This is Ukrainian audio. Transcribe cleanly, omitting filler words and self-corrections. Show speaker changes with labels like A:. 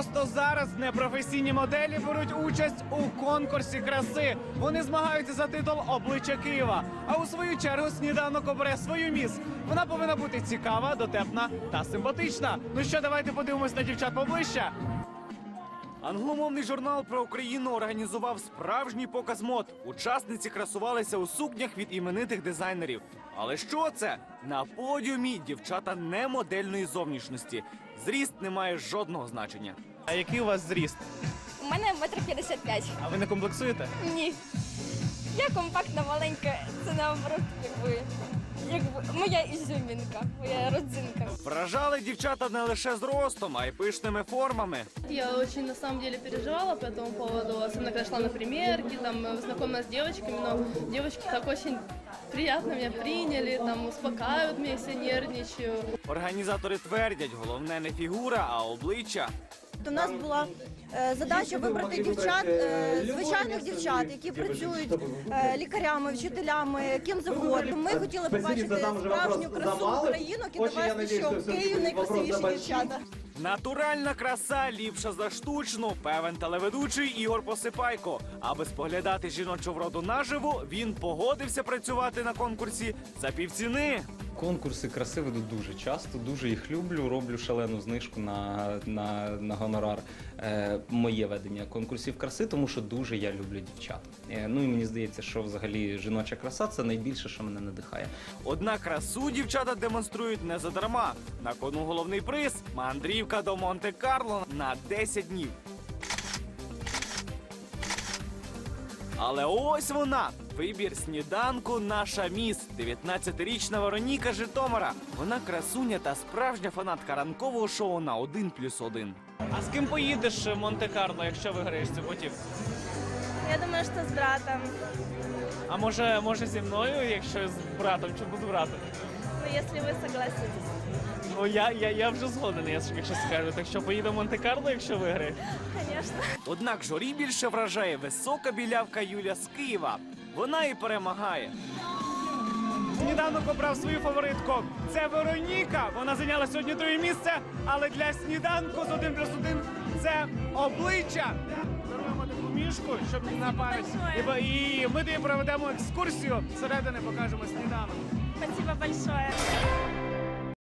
A: Просто зараз непрофесійні моделі беруть участь у конкурсі краси. Вони змагаються за титул «Обличчя Києва». А у свою чергу сніданок обере свою міс. Вона повинна бути цікава, дотепна та симпатична. Ну що, давайте подивимось на дівчат поближче. Англомовний журнал про Україну організував справжній показ мод. Учасниці красувалися у сукнях від іменитих дизайнерів. Але що це? На подіумі дівчата не модельної зовнішності. Зріст не має жодного значення. А який у вас зріст?
B: У мене 1,55 м.
A: А ви не комплексуєте?
B: Ні. Я компактна, маленька, це наоборот, якби моя ізюмінка, моя родзинка.
A: Вражали дівчата не лише зростом, а й пишними формами.
C: Я очень, на самом деле, переживала по этому поводу, особенно когда шла на примерки, там, знакомилась с девочками, но девочки так очень приятно меня приняли, там, успокаивают меня, если нервничаю.
A: Організатори твердять, головне не фігура, а обличчя.
D: У нас була задача вибрати дівчат, звичайних дівчат, які працюють лікарями, вчителями, ким завгодно. Ми хотіли побачити справжню красу українок і довести, що в Києві найкрасивіші дівчата.
A: Натуральна краса ліпша за штучну, певен телеведучий Ігор Посипайко. Аби споглядати жіночу вроду наживо, він погодився працювати на конкурсі за півціни.
E: Конкурси краси веду дуже часто, дуже їх люблю, роблю шалену знижку на гонорар. Моє ведення конкурсів краси, тому що дуже я люблю дівчат. Ну і мені здається, що взагалі жіноча краса – це найбільше, що мене надихає.
A: Однак красу дівчата демонструють не задарма. На кону головний приз – мандрівка до Монте-Карло на 10 днів. Але ось вона, вибір сніданку «Наша міс» – 19-річна Вероніка Житомира. Вона красуня та справжня фанатка ранкового шоу на 1+1. А з ким поїдеш в Монте-Карло, якщо виграєш цю путівку?
B: Я думаю, що з братом.
A: А може зі мною, якщо з братом, чи без брата?
B: Ну, якщо ви согласитесь.
A: Ну, я вже згоден, якщо скажу. Так що поїду в Монте-Карло, якщо виграє?
B: Звісно.
A: Однак журі більше вражає висока білявка Юля з Києва. Вона і перемагає. Сніданок обрав свою фаворитку. Це Вероніка. Вона зайняла сьогодні 2-е місце, але для сніданку з 1+1 це обличчя. Даруємо таку мішку, щоб не на пам'ять. І ми тобі проведемо екскурсію. Зсередини покажемо сніданок.
B: Спасибо большое.